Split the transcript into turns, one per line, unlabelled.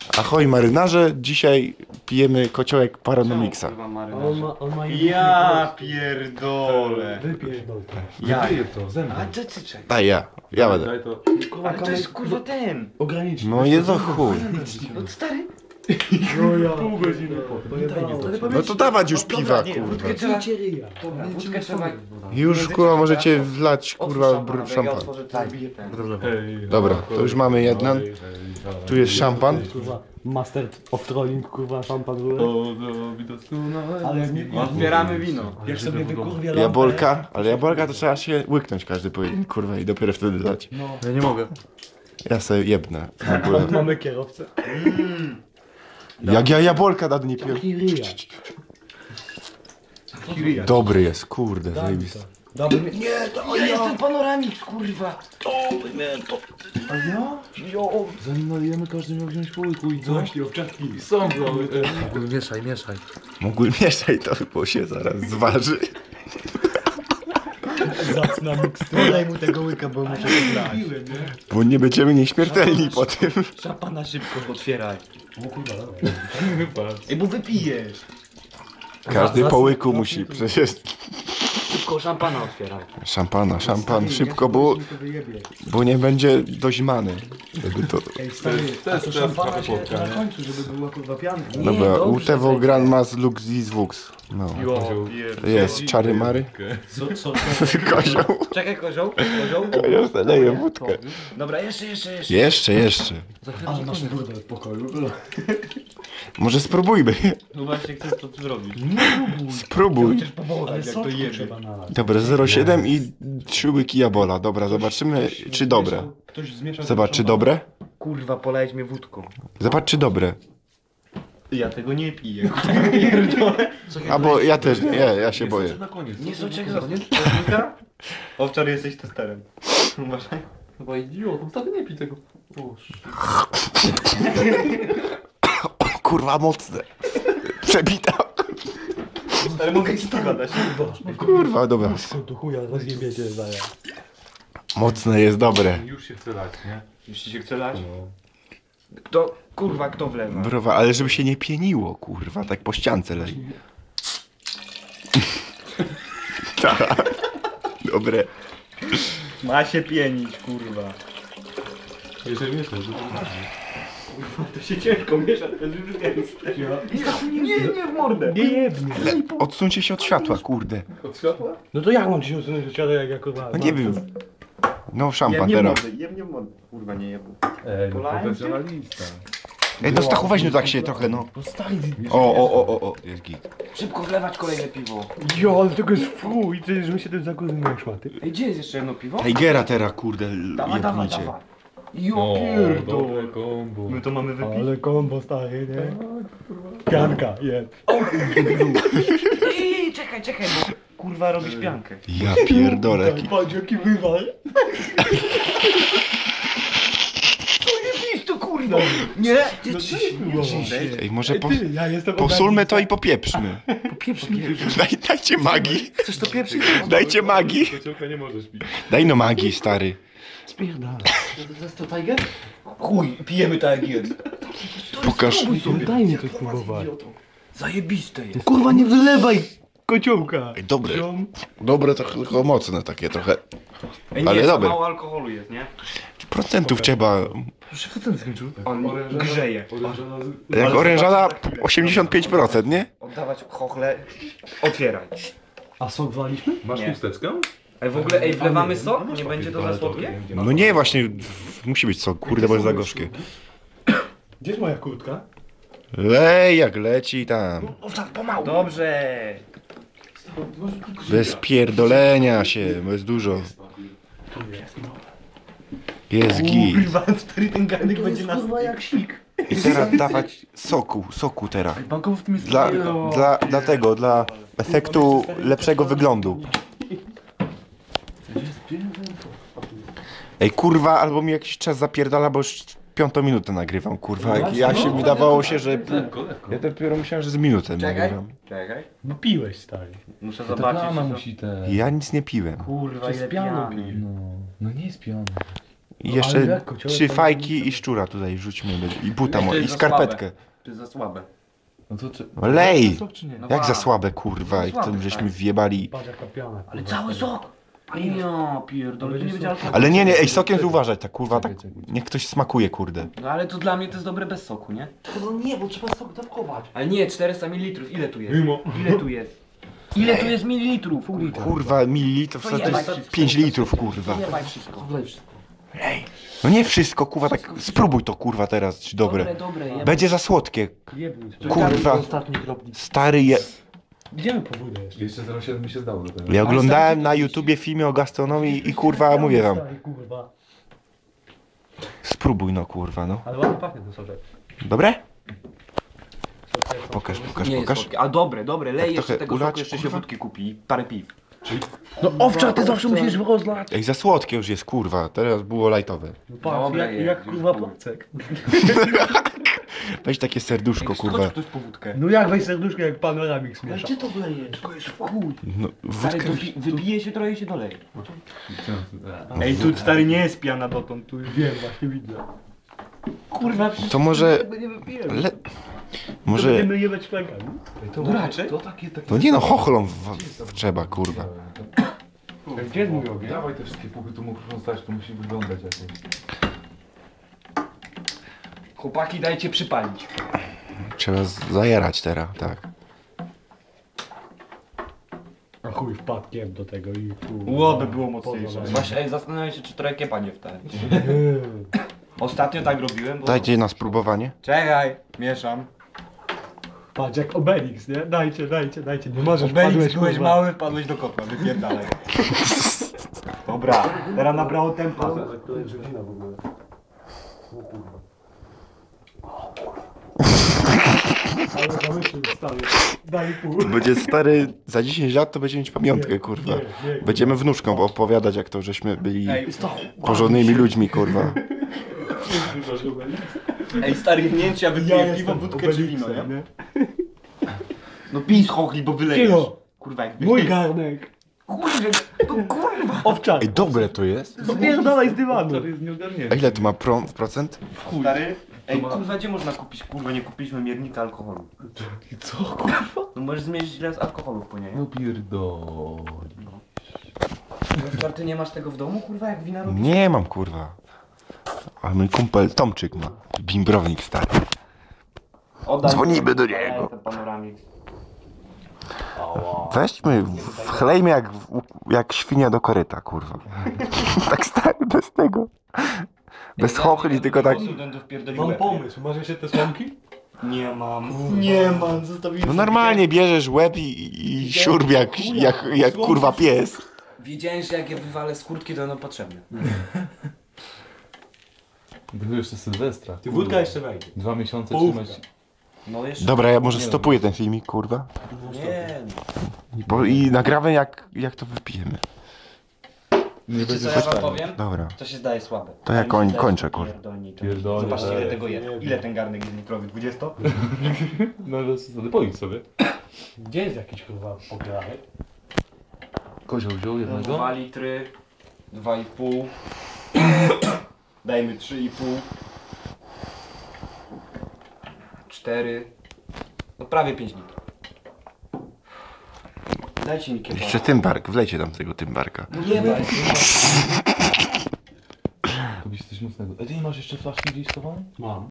Ahoj marynarze, dzisiaj pijemy kociołek Paranomixa.
On ma
Ja pierdolę.
Wypierdol to.
Ja.
Wypije to, ze mną.
A ty czekaj.
Daj ja będę.
Daj to.
Kurwa,
Ale to jest kurwa ten.
ograniczny.
No jest o chuj.
No stary.
No ja.
Pół godziny potem. Nie daj mi to.
No to dawać już piwa,
nie,
kurwa.
wódkę trzeba.
Ryja.
Wódkę trzeba.
Już kurwa możecie wlać kurwa
Ja
szampan.
otworzę, to zabiję ten.
Dobra, to już mamy jeden. Tu jest szampan.
Kurwa, master of trolling, kurwa, szampan były. Ale nie
Otwieramy wino.
Jak sobie wykurwia lampę.
Jabolka, ale jabolka to trzeba się łyknąć każdy pojedzie, kurwa i dopiero wtedy dać.
No.
Ja nie mogę.
Ja sobie jebnę. W ogóle.
Mamy kierowcę.
Jak ja jabolka dawno nie piłem.
Taki ryja.
Dobry jest, kurde, zajebisty.
Dobry mi... Nie, to
Ja jestem panoramik, kurwa.
A ja?
Jo.
Zanim nalijemy, każdy miał wziąć po łyku i co?
Właśnie, owczarki.
Są białe te.
Mieszaj, mieszaj.
Mógł mieszać to, bo się zaraz zważy.
Zacna mikstura.
Daj mu tego łyka, bo muszę to grać.
Bo nie będziemy nieśmiertelni po tym.
Szapana szybko otwieraj.
O kurwa, dobra.
Ej, bo wypijesz.
Każdy po łyku musi, przecież
Szybko szampana otwieraj.
szampan szybko, bo nie będzie doźmany. Żeby to...
Ej, stary,
To jest
to
teraz
szampana
trochę
się
płotka,
na
nie?
końcu, żeby była kurwa pianka.
Dobra,
dobrze,
Utevo
będzie.
Grand Mas Lux Zis Vux. No. Jest, czary mary.
Co?
Kozioł.
Czekaj, kozioł. Kozioł.
Ja zaleję wódkę.
Dobra, jeszcze.
Jeszcze.
Ale masz burdę w pokoju.
Może spróbujmy.
No właśnie, chcesz to zrobić.
Spróbuj.
Ale
jak to
soczku
jebie.
trzeba nalać.
Dobra, 0,7 i 3 łyki jabola. Dobra, zobaczymy czy dobre.
Ktoś zmiesza.
Zobacz czy dobre.
Kurwa, polejesz mnie wódką.
Zobacz czy dobre.
Ja tego nie piję.
Albo ja też nie, ja się boję.
Na koniec.
Nie soczek za Owczar, jesteś testerem. Uważaj.
Chyba idiot, wtedy nie pij tego. Boże.
Kurwa mocne. Przebita.
Ale mogę ci piwa dać.
Kurwa, dobra.
Tu chuja, rozjebiecie zaraz.
Mocne jest dobre.
Już się chce lać, nie?
Jeśli się chce lać. Kto wlewa?
Browa, ale żeby się nie pieniło, kurwa, tak po ściance lej. Tak. Dobre.
Ma się pienić, kurwa.
Jeżeli mieszasz,
To się ciężko miesza, to jest już gęste. Nie w mordę.
Nie jebnie.
Odsuńcie się od światła, kurde.
od światła?
No to jak mam ci się usunąć od siada, jak ja kurwa...
No nie wiem. No
Jem
szampan
nie w
teraz.
mordę, jem nie w mordę. Kurwa, nie jebu.
Ej, no
Polałem cię?
profesjonalista.
Ej, no Stachu, weź no tak się trochę, no.
No stary,
O, jest git.
Szybko wlewać kolejne piwo.
jo, ale tego jest fuj, przecież my się tym zakuzujemy szmaty.
Ej, gdzie jest jeszcze jedno piwo?
Tigera teraz, kurde,
Dawaj.
jebnicie.
Jo pierdol.
dobre kombo.
My to mamy wypić.
Ale kombo stary, nie? Pianka, jeb.
Ej, czekaj, bo kurwa robisz piankę.
Ja pierdolę.
Patrz jaki wywal.
Idź tu kurwa. Nie,
Ej, może
Ty, ja jestem
posulmy to i popieprzmy. Dajcie magii.
chcesz to pieprzyć?
Dajcie magii.
Kociołka nie możesz pić.
Daj no magii, stary.
Spierdala.
To jest to Tiger? Chuj, pijemy tak jak jest.
Pokaż.
No daj mi to spróbować.
Zajebiste jest.
Kurwa nie wylewaj kociołka.
Ej, dobre.
Ziom.
Dobre to tylko mocne takie trochę.
Ej, nie,
Ale
za
dobre.
mało alkoholu jest, nie?
Procentów trzeba.
Proszę, co ten skończył?
On grzeje.
Orężana
Jak orężada 85%, nie?
Oddawać chochle. Otwieraj.
A sok waliśmy?
Masz
Nie.
chusteczkę?
Ej, w ogóle, wlewamy sok? Nie będzie to za słodkie?
No nie, właśnie musi być co, kurde, bo jest za gorzkie.
Gdzie jest moja kurtka?
Lej jak leci tam.
Dobrze.
Bez pierdolenia się, bo jest dużo. Jest git.
Kurwa, stary ten garnek będzie nas...
Kurwa jak sik.
I teraz dawać soku teraz.
Bankowo w tym jest...
Dla efektu lepszego wyglądu. Ej kurwa, albo mi jakiś czas zapierdala, bo już 5 minutę nagrywam, kurwa. Ja się mi dawało się, że...
Lekko.
Ja dopiero myślałem, że z minutę
Czekaj.
nagrywam.
Czekaj.
No piłeś stary.
Muszę
Ta
zobaczyć.
plama
co-
musi te...
Ja nic nie piłem.
Kurwa,
Przez
ile
piano
pijany.
pij.
No, no nie jest piony.
I
ale
jeszcze
jak kociołek
3
to
fajki i szczura tutaj rzućmy. I buta
To
mo-
jest
i
za
skarpetkę.
To jest za słabe.
No to czy...
Lej!
Sok czy nie?
No
Jak za
tak.
słabe, kurwa, jak
Słabe,
tam żeśmy
tak.
wjebali.
Patrz jaka piana.
Ale
kurwa.
cały sok! Ja pierdolę, to nie będzie alkoholu.
Ale nie, ej, sokiem uważać, tak kurwa, tak,
Czekaj.
niech ktoś smakuje, kurde.
No ale to dla mnie to jest dobre bez soku, nie?
No nie, bo trzeba sok dawkować.
Ale nie, 400 ml, ile tu jest?
Mimo.
Ile tu jest? Ile tu jest mililitrów?
Kurwa, mililitrów, to
jebaj
jest
wszystko.
5 litrów, kurwa.
Zjebaj wszystko.
No nie wszystko, kurwa, tak spróbuj to, kurwa, teraz, czy dobre.
Dobre, jebaj.
Będzie za słodkie.
Jebnij.
Kurwa.
Ostatni kropnik.
Stary je...
Idziemy po wódę jeszcze.
Jeszcze 0,7 mi się zdało do tego.
Ja oglądałem na YouTubie filmy o gastronomii i kurwa, mówię wam.
Stary, kurwa.
Spróbuj no, kurwa, no.
Ale ładnie pachnie ten soczek.
Dobre?
Soczek,
Pokaż,
soczek.
pokaż,
Nie jest
pokaż.
słodkie. A dobre, lej
Tak
jeszcze
trochę
tego
ulać,
soku, jeszcze się
kurwa?
wódki kupi i parę piw.
No owcza, ty zawsze musisz rozlać.
Ej, za słodkie już jest, kurwa. Teraz było lajtowe.
No patrz,
Dobra,
jak,
jest,
jak
już
kurwa
chuj.
placek.
Weź takie serduszko, kurwa.
ktoś po wódkę.
No jak weź serduszko, jak panoramik
Ale
śmiesza.
gdzie to wlejesz? To jest chuj.
No,
Stary,
wódkę...
wybije się trochę i się doleje.
Ej, tu stary nie jest piana dotąd, tu już wiem, właśnie widzę.
Kurwa, przecież
To może...
Tego nie wypijemy.
Le...
To
Może...
będziemy jebać flankami.
To
raczej?
To takie...
No nie no, chochlą trzeba, kurwa.
Gdzie jest mój ogień?
Dawaj te wszystkie puchy, tu muszą stać, to musi wyglądać jakoś.
chłopaki dajcie przypalić.
Trzeba zajarać teraz, tak.
A chuj wpadkiem do tego i tu.
Łoby było mocniejsze.
Poza-
Właśnie, ej, zastanawiam się, czy trochę kiepa nie wstać. Ostatnio tak robiłem, bo...
Dajcie na spróbowanie.
Czekaj, mieszam.
Patrz jak Obelix, nie? Dajcie. Nie możesz,
Obelix,
wpadłeś,
byłeś
kurwa.
mały, wpadłeś do kotła, wypierdalaj. Dobra, teraz nabrało tempa.
To jest godzina w ogóle. O kurwa. Ale zamyślił, stary. Daj pół.
Będzie stary, za 10 lat to będzie mieć pamiątkę, kurwa.
nie.
Będziemy wnuczkom opowiadać, jak to żeśmy byli
Ej,
porządnymi ludźmi, kurwa.
ej stary, nie ja wypiję piwo, wódkę czy wino, nie? No pij z chochli, bo wylejesz.
Cicho.
Kurwa, jak
Mój garnek.
Kurwa, to kurwa.
Owczar.
Ej, dobre to jest.
Spierdalaj z dywanu.
To jest nieogarnięte.
A ile to ma procent?
Stary, ej kurwa, gdzie można kupić? Kurwa, nie kupiliśmy miernika alkoholu.
I co, kurwa?
No możesz zmierzyć ile jest alkoholu w płynie, nie?
No pierdol.
Ty nie masz tego w domu, kurwa, jak wina robisz?
Nie mam, kurwa. Ale mój kumpel Tomczyk ma. Bimbrownik stary.
Oddaj
Dzwonimy do
mi ten
niego.
panoramik.
Weźmy, wchlejmy jak świnia do koryta, kurwa. Tak stary, bez tego. Bez chochli, tylko tak...
Mam pomysł, masz jeszcze te słomki?
Nie mam. Nie mam, zostawiłem
No normalnie bierzesz łeb i siurb jak kurwa pies.
Wiedziałem, że jak je wywalę z kurtki, to będą potrzebne.
To jeszcze Sylwestra.
Ty wódka jeszcze wejdzie.
2 miesiące
Połówka.
trzymać.
No jeszcze.
Dobra, ja może stopuję ten filmik, kurwa.
Nie.
I nagramy jak to wypijemy.
Nie
Wiecie
będzie
co ja wam powiem?
Dobra.
To się zdaje słabe.
To ja
Ale mi się zdaje,
kończę,
że
kurwa.
pierdolnicze.
Pierdolnie,
Zobaczcie
tak.
ile tego jest. Ile ten garnek jest litrowy? 20?
No ale pojdź sobie.
Gdzie jest jakiś kurwa pokrajek?
Kozioł wziął jednego.
2 litry, 2,5. Dajmy 3,5. 4. No prawie 5 litrów. Dajcie mi kiełbasę.
Jeszcze tymbark, wlejcie tam tego tymbarka.
Nie daj.
Robisz coś mocnego. Ej, ty nie masz jeszcze flaszki gdzieś schowanej?
Mam.